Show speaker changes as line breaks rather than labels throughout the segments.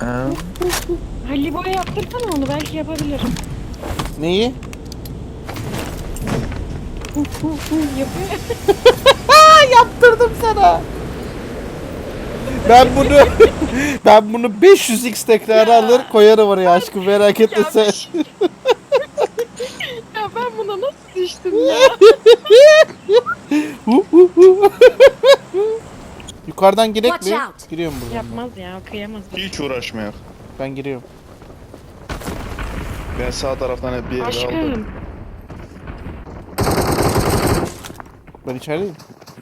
Halil Boy'a yaptırsana onu, belki yapabilirim.
Neyi?
Yapıyor.
Yaptırdım sana. Ben bunu 500x tekrar alır koyarım oraya aşkım, merak etme
Ya,
sen.
ya ben buna nasıl düştüm ya?
Yukarıdan girek
Watch
mi?
out.
Giriyorum buradan.
Yapmaz ya, kıyamaz.
Hiç uğraşmayak.
Ben giriyorum.
Ben sağ taraftan hep bir yere aldım.
Aşkım.
Ben içerideyim.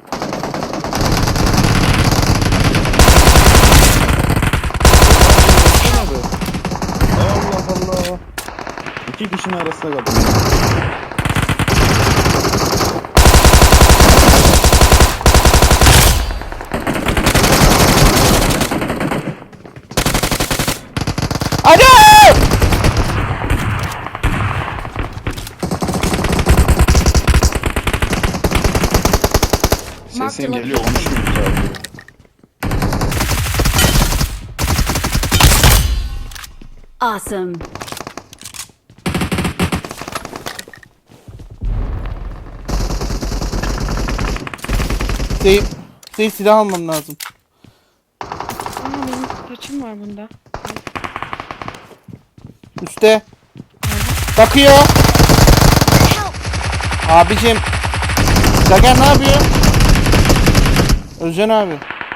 Allah Allah. İki kişinin arasında kaldım.
Alo!
Sesin geliyor, konuşmuyor sadece.
Awesome.
Değil, silah almam lazım.
Benim taçım var bunda.
Üste. Bakıyor. Abicim. Zager ne yapıyor? Özcan abi.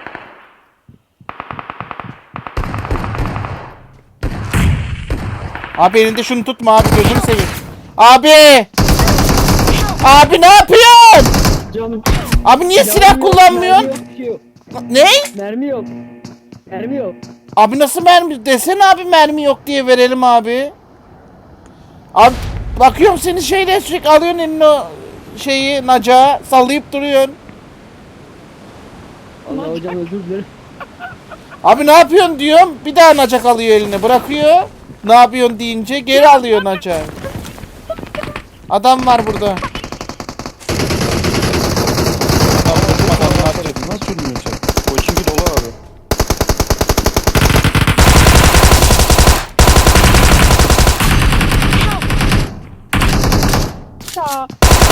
Abi elinde şunu tutma abi, gözünü seveyim. Abi! Abi ne yapıyorsun?
Canım.
Abi niye silah kullanmıyorsun?
Mermi yok.
Ne?
Mermi yok. Mermi yok.
Abi nasıl mermi? Desene abi, mermi yok diye verelim abi. Abi bakıyorum seni şeyle sürekli alıyorsun eline o şeyi, nacağı sallayıp duruyorsun.
Allah hocam özür dilerim.
Abi ne yapıyorsun diyorum, bir daha nacak alıyor eline, bırakıyor. Ne yapıyorsun deyince geri alıyor nacağı. Adam var burada.
Nasıl ölmüyorsun sen? O çünkü dolu abi.
Ya.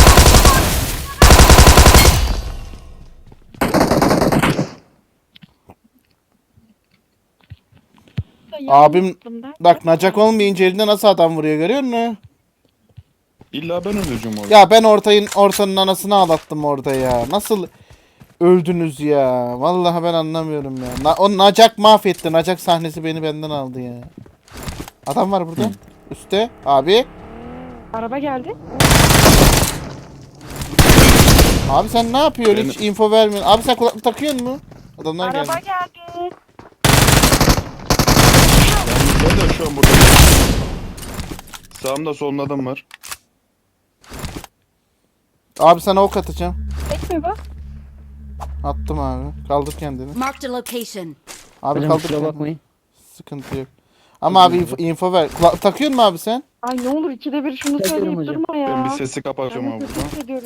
Abim bak, nacak olmayınca elinde nasıl adam vuruyor, görüyor musun?
İlla ben öleceğim orada.
Ya ben ortanın anasını ağlattım orada ya. Nasıl öldünüz ya? Vallahi ben anlamıyorum ya. O nacak mahvetti. Nacak sahnesi beni benden aldı ya. Adam var burada. Üste. Abi.
Araba geldi.
Abi sen ne yapıyorsun? Hiç info vermiyorsun. Abi sen kulaklık takıyor musun? Adamlar geldi.
Araba geldi.
Ben de şu an burada. Sağımda solumda adam var.
Abi sana ok atacağım.
Ekme bak.
Attım abi. Kaldır kendini.
Marked a location.
Abi
Hocam
kaldır
kusura
kendini.
bakmayın.
Sıkıntı yok. Ama abi info ver. Takıyor musun abi sen?
Ay ne olur ikide bir şunu
Takıyorum
söyleyip
hocam.
durma ya.
Ben bir sesi kapatacağım
Ben
abi
kötü
buradan.
hissediyorum.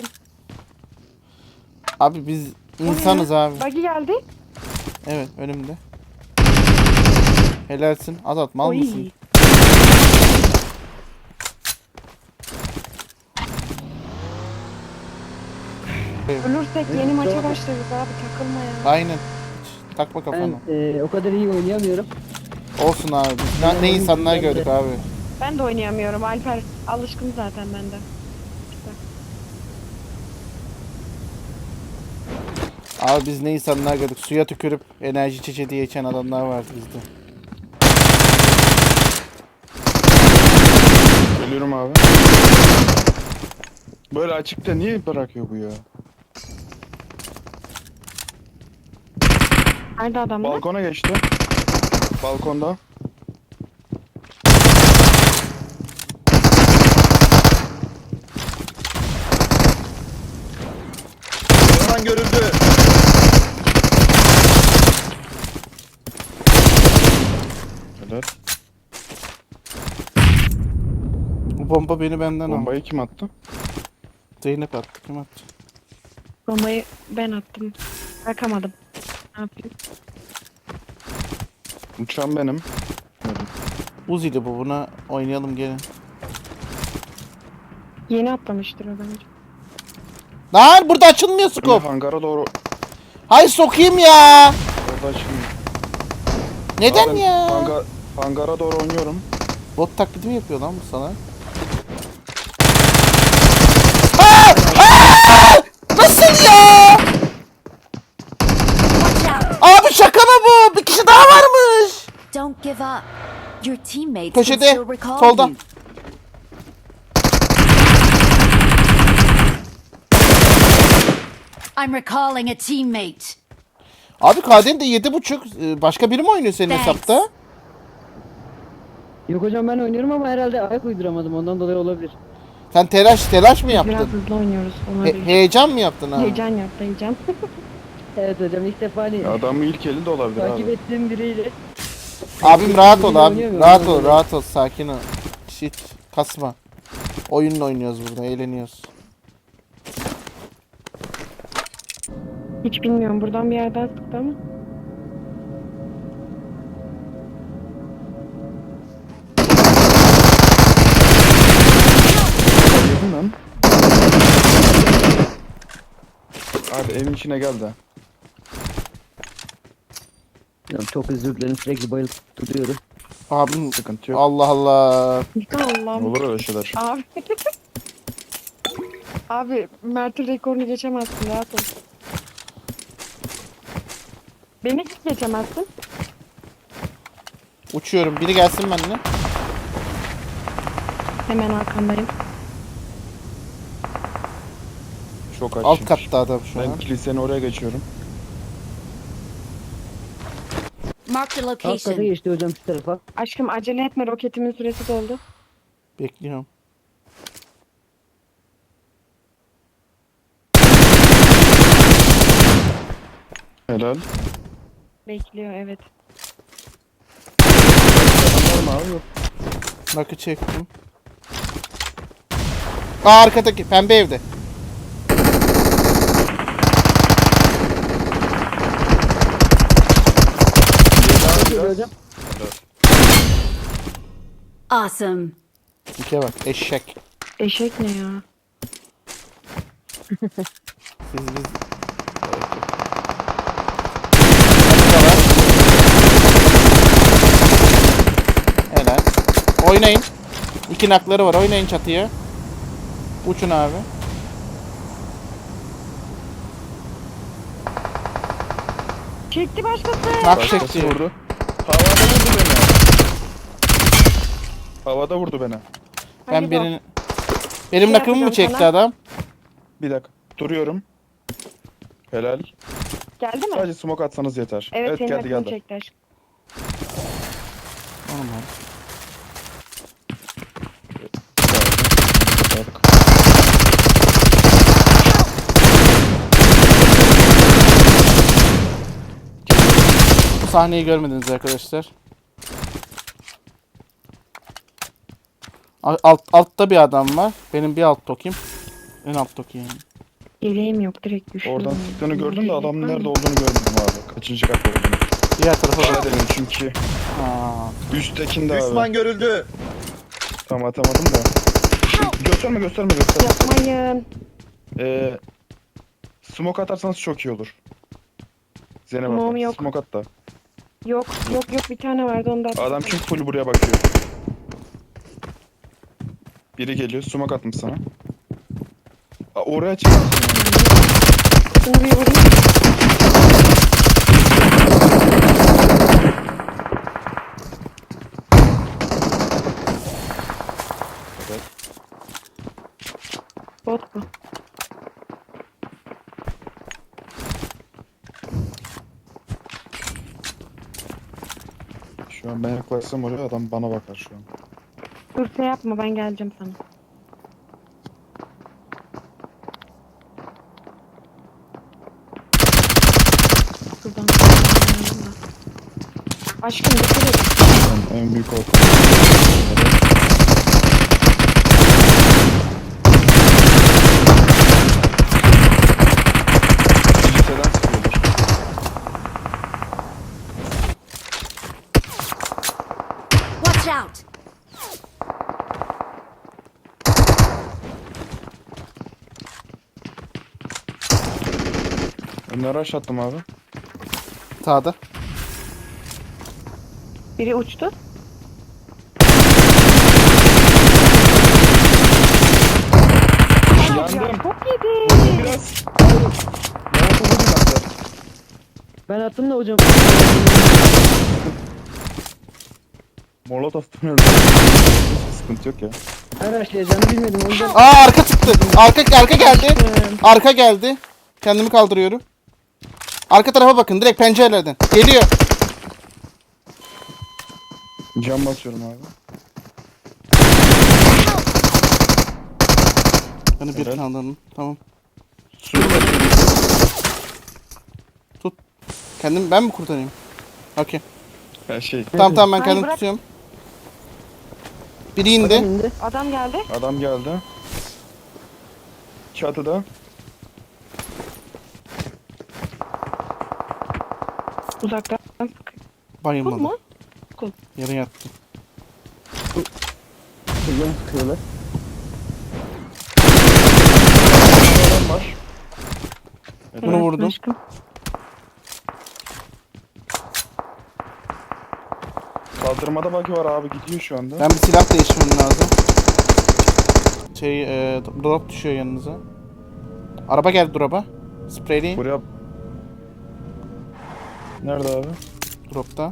Abi biz insanız abi.
Buggy geldi.
Evet, önümde. Helalsin. Azat mal
Oy.
mısın?
Ölürsek yeni maça başlarız abi, takılma ya.
Aynen. Hiç takma kafana.
Ben o kadar iyi oynayamıyorum.
Olsun abi. Biz ne insanlar gördük abi.
Ben de oynayamıyorum, Alper alışkın zaten bende.
Abi biz ne insanlar gördük. Suya tükürüp enerji içeceği diye içen adamlar vardı bizde.
Geliyorum abi. Böyle açıkta niye bırakıyor bu ya?
Nerede adamlar?
Balkona geçti. Balkonda. Hemen görüldü. Evet.
Bu bomba beni benden aldı.
Bombayı kim attı?
Zeynep attı. Kim attı?
Bombayı ben attım. Bırakamadım. Ne yapayım?
Uçan benim.
Uzi'li bu. Buna oynayalım gelin.
Yeni atlamıştır o bence.
Lan burada açılmıyor
Böyle
scope.
hangara doğru
Hay sokayım ya.
orada açılmıyor.
Neden
Ben
ya?
Hangara doğru oynuyorum.
Bot taklidi mi yapıyor lan bu sana? Aa! Aa! Nasıl ya?
Watch out!
Abi şaka mı bu? Bir kişi daha varmış.
Don't give up. Your teammates can
Köşede,
still recall
solda.
you. I'm recalling a teammate.
Abi KD'nin de 7.5. Başka biri mi oynuyor senin
Thanks.
hesapta?
Yok hocam ben oynuyorum ama herhalde ayak uyduramadım ondan dolayı olabilir.
Sen telaş mı
Biraz
yaptın?
hızlı oynuyoruz. Olabilir.
Heyecan mı yaptın ha?
Heyecan yaptı heyecan.
Evet hocam ilk defa hani
Adamı ilk eli de olabilir
takip
abi.
ettiğim biriyle.
Abim rahat ol abi.
Oynayamıyorum,
Rahat ol,
oynayamıyorum.
rahat ol. Sakin ol. Shit. Kasma. Oyunla oynuyoruz burada. Eğleniyoruz.
Hiç bilmiyorum. Buradan bir yerden sıktı ama.
Yedim lan. Abi evin içine gel de.
Hocam çok özür dilerim sürekli bayılıp duruyorum.
Abim
Sıkıntı yok.
Allah Allah.
Allah'ım.
Olur öyle şeyler.
Abi. Abi Mert'in rekorunu geçemezsin rahat ol. Beni hiç geçemezsin.
Uçuyorum. Biri gelsin benimle.
Hemen arkandayım.
Çok
Alt
açmış.
katta adam şu
Ben
an.
kilisenin oraya geçiyorum.
Marked a
Alt kata
location.
geçti hocam şu tarafa.
Aşkım acele etme roketimin süresi doldu.
Bekliyorum.
Helal.
Bekliyor evet.
Var mı abi? Yok.
Nakı çektim. Aa arkadaki pembe evde.
Şöyle hocam.
Awesome.
Dike bak eşek.
Eşek ne ya?
Biz. Helal. Oynayın. 2 nakları var. Oynayın çatıya. Uçun abi.
Çekti başkası.
Nak
Başkası
çekti.
vurdu. Havada vurdu beni. Havada vurdu beni.
Ben
Hadi
birini... Benim
Şey
nakımı mı
yapacağım
çekti
sana.
adam?
Bir dakika. Duruyorum. Helal.
Geldi mi?
Sadece smoke atsanız yeter.
Evet, senin
geldi
aklını
geldi.
çekti aşkım.
Normal.
Bak.
Bu sahneyi görmediniz arkadaşlar. Altta bir adam var. Benim bir alt tokim. En alt toki yani.
Yeleğim yok direkt düşürdüm.
Oradan sıktığını gördüm de adamın nerede olduğunu görmedim abi. Kaçıncı kat olduğunu.
Diğer tarafa
Bana
bak.
dedim çünkü.
Aa,
Üsttekinde abi.
Düşman görüldü.
Tam atamadım da. Gösterme.
Yapmayın.
Smoke atarsanız çok iyi olur. Zeynep
Smoke'um
abla,
yok.
smoke at da.
Yok bir tane vardı onda.
Adam çünkü full buraya bakıyor. Biri geliyor, smoke atmış sana. Aa, oraya çık.
Şunu bir vurayım.
Evet.
Bot bu.
Şu an ben yaklaşsam oraya adam bana bakar şu an.
Dur şey yapma ben geleceğim sana. Şuradan. Aşkım dikkat et.
En büyük korkum. Kiliseden sıkıyordur.
Watch out!
Bunları aşağı attım abi.
Sağda.
Biri uçtu. Ya
Yandım.
çok yedi.
Biraz. Molotofu attı.
Ben attım da hocam.
Molotof'tan öldü. Sıkıntı yok ya.
Her açlayacağını bilmedim o yüzden.
Aa arka çıktı. Arka geldi. Arka geldi. Kendimi kaldırıyorum. Arka tarafa bakın direkt pencerelerden. Geliyor.
Cam basıyorum abi.
Beni bir
Evet.
kaldırın. Tamam.
Su basıyorum.
Tut. Kendim ben mi kurtarayım? Okey.
Her şey.
Tamam ben
Hayır,
kendim
bırak.
tutuyorum. Biri indi.
İndi.
Adam geldi.
Adam geldi. Çatıda.
Uzaktan. Kul
Bayılmadı.
mu?
Yere yattı.
Hocam sıkıyorlar.
Adam var.
Bunu
Evet,
vurdum.
aşkım.
Kaldırmada bug'i var abi, gidiyor şu anda.
Ben bir silah değiştirmem lazım. Drop düşüyor yanınıza. Araba geldi drop'a. Spreyleyin.
Buraya... Nerede abi?
Drop'ta.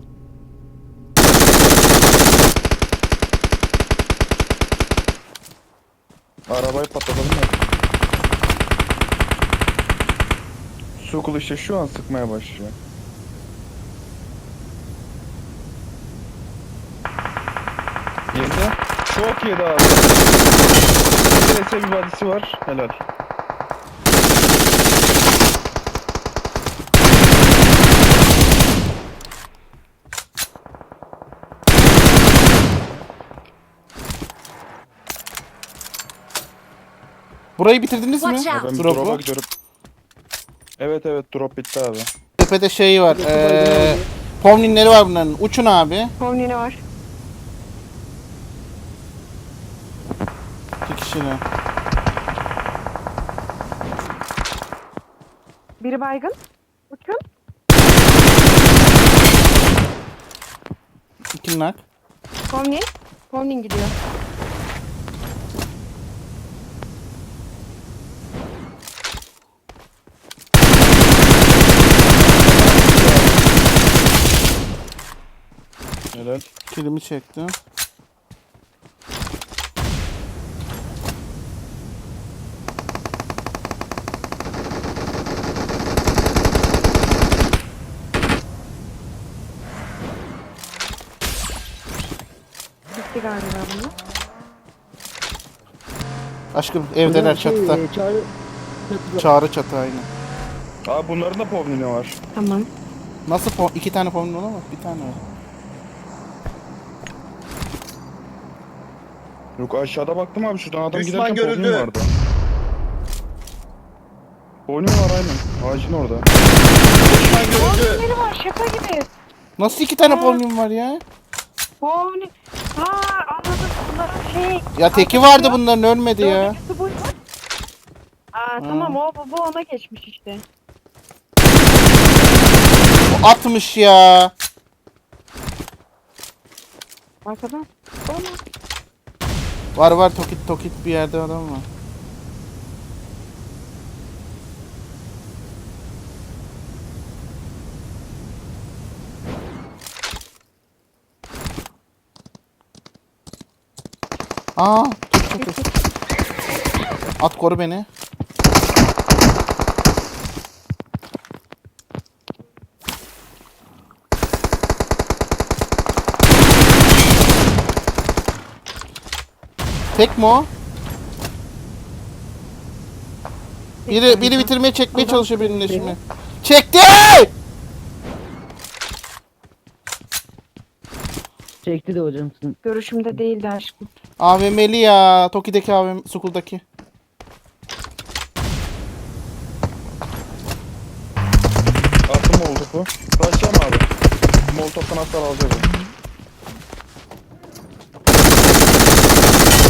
Arabayı patlatalım ya. Sokul işte şu an sıkmaya başlıyor. Yedi. Çok yedi abi. Neyse bir vadisi var. Helal.
Burayı bitirdiniz mi?
Watch out.
Ben bir
Drop'u.
drop'a gidiyorum. Evet evet, drop bitti abi.
Tepede şey var. Pomlinleri var bunların. Uçun abi.
Pomni var.
İki kişiyle.
Biri baygın. Uçun.
İki nak.
Pomni. Pomni gidiyor.
Helal.
Kilimi çekti.
Bitti galiba bunu.
Aşkım evdeler çatıda.
Çağrı. Çatıda.
Çağrı çatı aynı.
Abi bunların da povnini var.
Tamam.
Nasıl iki tane pomlin olamaz? Bir tane var.
Yok, aşağıda baktım abi, şuradan adam
Düşman
giderken povnin
görüldü.
vardı. Povnin var aynen. Ağacın orada.
Düşman görüldü.
Pomni'leri var şaka gibi.
Nasıl iki tane pomlin var ya?
Pomni. Aa anladım. Bunların şey.
Ya teki vardı bunların ölmedi ya.
Dördüncüsü buydu. Aa tamam bu ona geçmiş işte.
O atmış ya.
Arkadan. Olmaz.
Var tokit bir yerde adam var. Aa, tut. At koru beni. Tek mi o? Biri bitirmeye çekmeye çalışıyor birinin şimdi. Çekti!
Çekti de hocam.
Görüşümde değildi aşkım.
AVM'li ya. Toki'deki AVM, Sukul'daki.
Attım molotofu. Kaçacağım abi. Molotoftan hasar alacağız.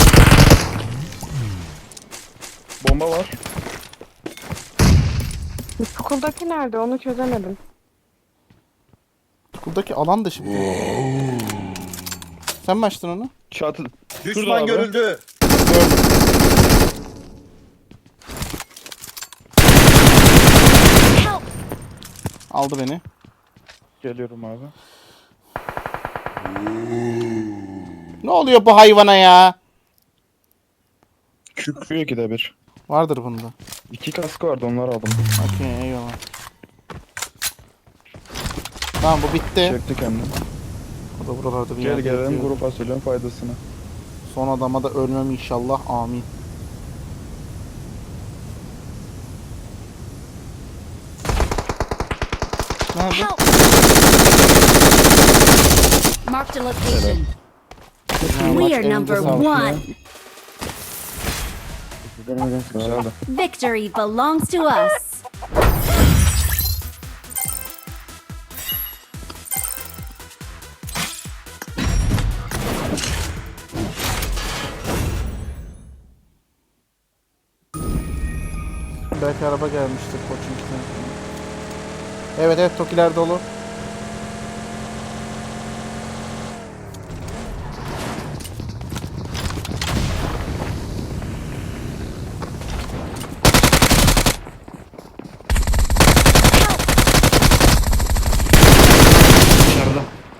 Bomba var.
Okuldaki nerede onu çözemedim.
Buradaki alan dışı. Sen mi açtın onu?
Çatı. Şurada
Düşman
abi.
görüldü.
Aldı beni.
Geliyorum abi.
Ne oluyor bu hayvana ya?
Kükrüyor ikide bir.
Vardır bunda.
2 kaskı vardı onları aldım.
Okey eyvallah. Tamam bu bitti.
Çekti kendini.
O da buralarda bir
Gel
yerde
gelelim
yatıyor.
grup fasulyenin faydasını.
Son adama da ölmem inşallah. Amin. Nerede?
Help! Marked a location.
Ha,
We
maç
are
elinde
number
sağlık.
one.
Güzel hocam.
Güzeldi.
Victory belongs to us.
Belki araba gelmiştir Koçink'ten. Evet evet Tokiler dolu.
Dışarıda.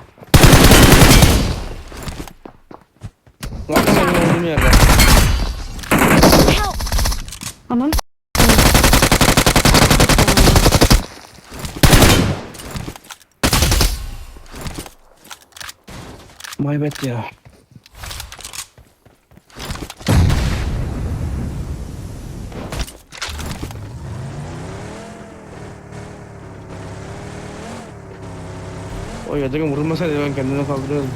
Lan benim olduğum yerde.
Help!
Anam.
Maybet ya. O yadırın vurulmasaydı ben kendime kaldırıyordum.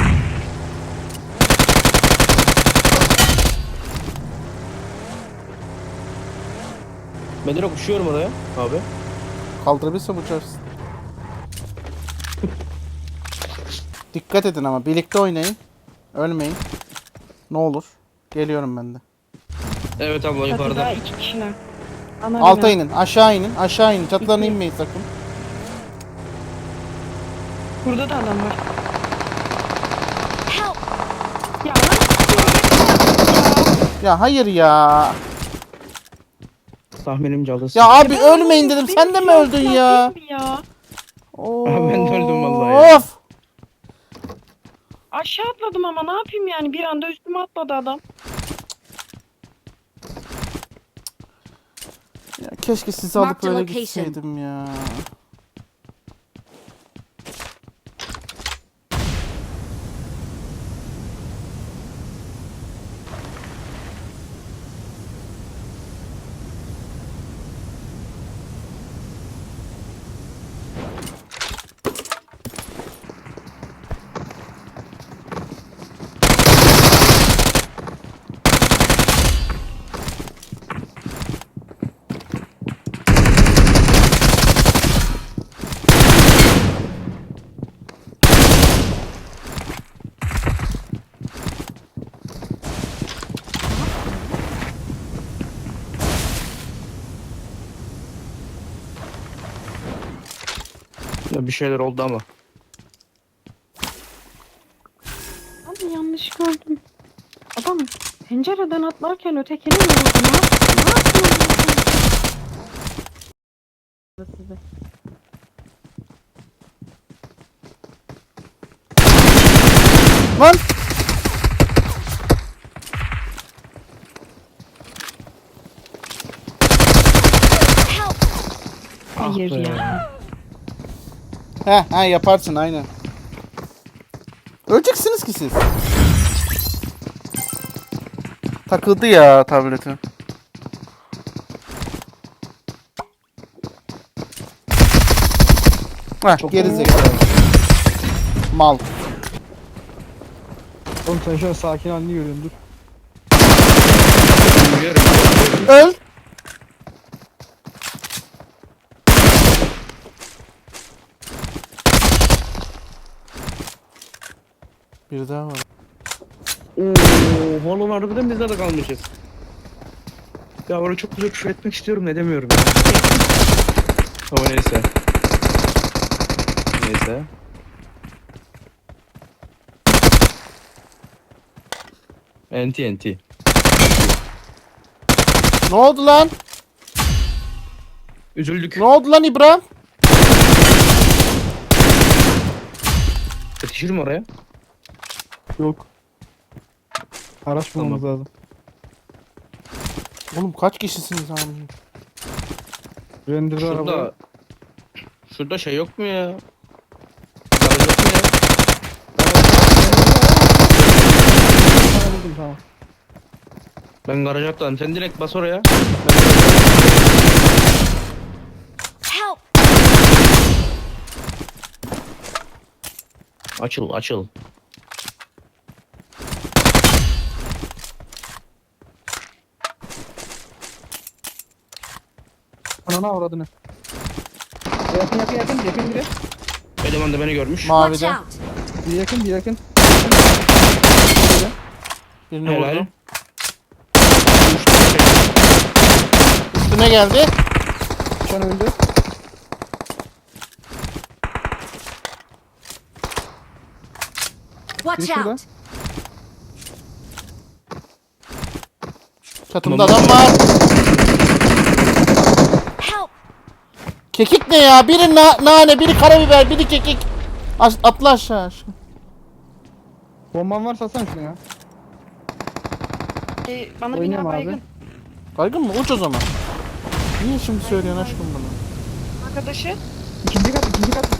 Ben direkt uçuyorum oraya abi.
Kaldırabilirsem uçarsın. Dikkat edin ama birlikte oynayın. Ölmeyin. Ne olur. Geliyorum ben de.
Evet abla
Çatıda
yukarıda.
2 kişiler. Ana
Alta
bina.
inin, aşağı inin, aşağı inin. Çatılarına inmeyin sakın.
Burada da adam var.
Help!
Ya lan.
Ya hayır ya.
Tahminim calız.
Ya abi ölmeyin dedim. Sen de mi öldün ya?
Değil mi ya?
Ben de öldüm vallahi ya.
Of.
Aşağı atladım ama ne yapayım yani bir anda üstüme atladı adam.
Ya keşke sizi alıp
Mark the
öyle
location.
gitseydim ya.
Ya bir şeyler oldu ama.
Abi yanlış gördüm. Adam pencereden atlarken ötekini mi vurdu? Ne yapıyorsun? Size.
Lan.
Hayır
Ah be.
ya.
He yaparsın aynen. Öleceksiniz ki siz. Takıldı ya tableti. Heh, geri zekalı. Mal.
Oğlum sen şu an sakin halini görüyorsun dur.
Öl. Bir daha var.
Ooo oğlum harbiden bizde de kalmışız. Ya orada çok güzel küfür etmek istiyorum ne demiyorum ya. Ama neyse. Neyse. NT.
Ne oldu lan?
Üzüldük.
Ne oldu lan İbrahim?
Yetişir mi oraya?
Yok. Araç bulmamız lazım.
Oğlum kaç kişisiniz abi?
Render'de araba.
Şurada. Şurada şey yok mu ya? Garaj yok mu ya?
Sana buldum tamam.
Ben garaja atladım. Sen direkt bas oraya.
Help!
Açıl.
Anana avradını. Yakın biri.
Eleman da beni görmüş.
Watch
Mavide.
out!
Bir yakın.
Birini
Helal.
vurdum.
Düştü bir şey.
Üstüne geldi.
Şu an öldü.
Watch
Biri şurada.
out!
Çatımda adam var.
Help!
Kekik ne ya? Biri nane, biri karabiber, biri kekik. Atla aşağı.
Bomban varsa atsana şunu ya.
Bana
Oynuyorum
bina
abi.
baygın.
Baygın mı? Uç o zaman. Niye şimdi söylüyorsun aşkım bunu?
Arkadaşı.
İkinci kat.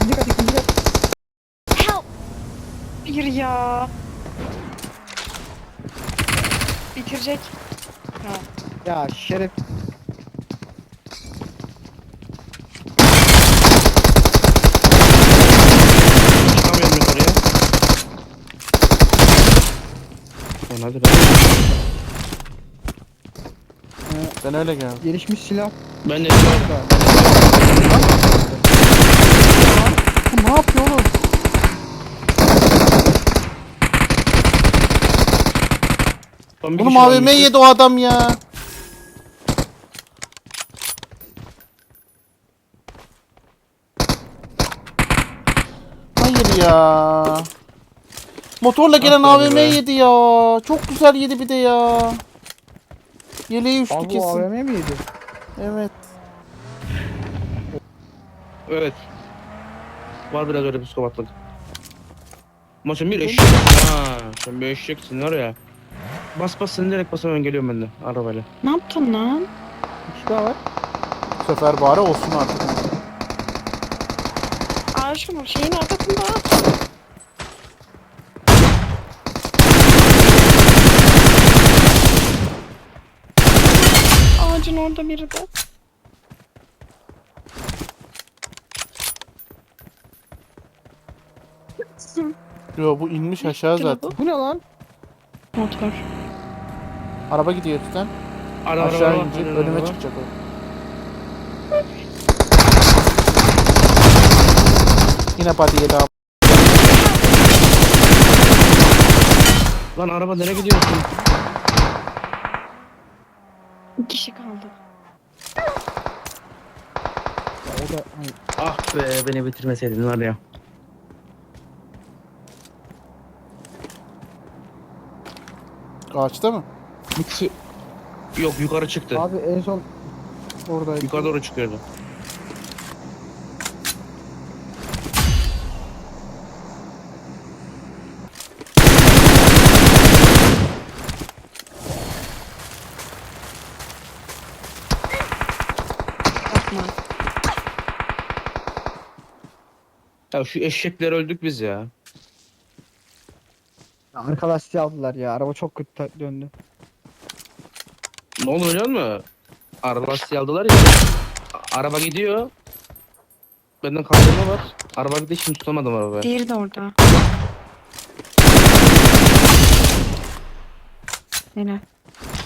Help!
Bir ya. Bitirecek.
Ya şeref.
Çıkamıyorum yukarıya. Lan hadi lan.
Ben öyle geldim.
Gelişmiş silah.
Ben de
Bu ne yapıyor oğlum?
Son bir
Oğlum
kişi
AVM
kalmıştı.
yedi o adam ya. Hayır ya. Motorla gelen
Ah be
AVM
be.
yedi ya. Çok güzel yedi bir de ya. Yeleği uçtu
Abi bu
kesin.
AVM mi yedi?
Evet.
Evet. Var biraz öyle psikopatlık. Ama sen bir eşek. Ha, sen bir eşeksin var ya. Bas sen direkt bas hemen geliyorum ben de arabayla.
Ne yaptın lan?
Bir kişi daha var.
Bu sefer bari olsun artık.
Aşkım şeyin arkasında. Ağacın orada biri de.
Yo bu inmiş aşağı zaten.
Bu ne lan?
Motor.
Araba gidiyor üstten.
Araba
Aşağı
araba,
inecek,
araba,
önüme
araba.
çıkacak o. Yine pati yedi abi.
Lan araba nereye gidiyorsun?
Bir kişi kaldı.
Ya o da hani
Ah be beni bitirmeseydin var ya.
Ağaçta mı?
Yok yukarı çıktı.
abi en son oradaydı.
Yukarı doğru çıkıyordu.
Bakma.
Ya şu eşekler öldük biz ya.
Arka lastiği aldılar ya. Araba çok kötü döndü.
Ne oldu biliyor musun? Araba lastiği aldılar ya. Araba gidiyor. Benden kaldırma var. Araba gidiyor şimdi tutamadım arabayı.
Diğeri de orada. Helal.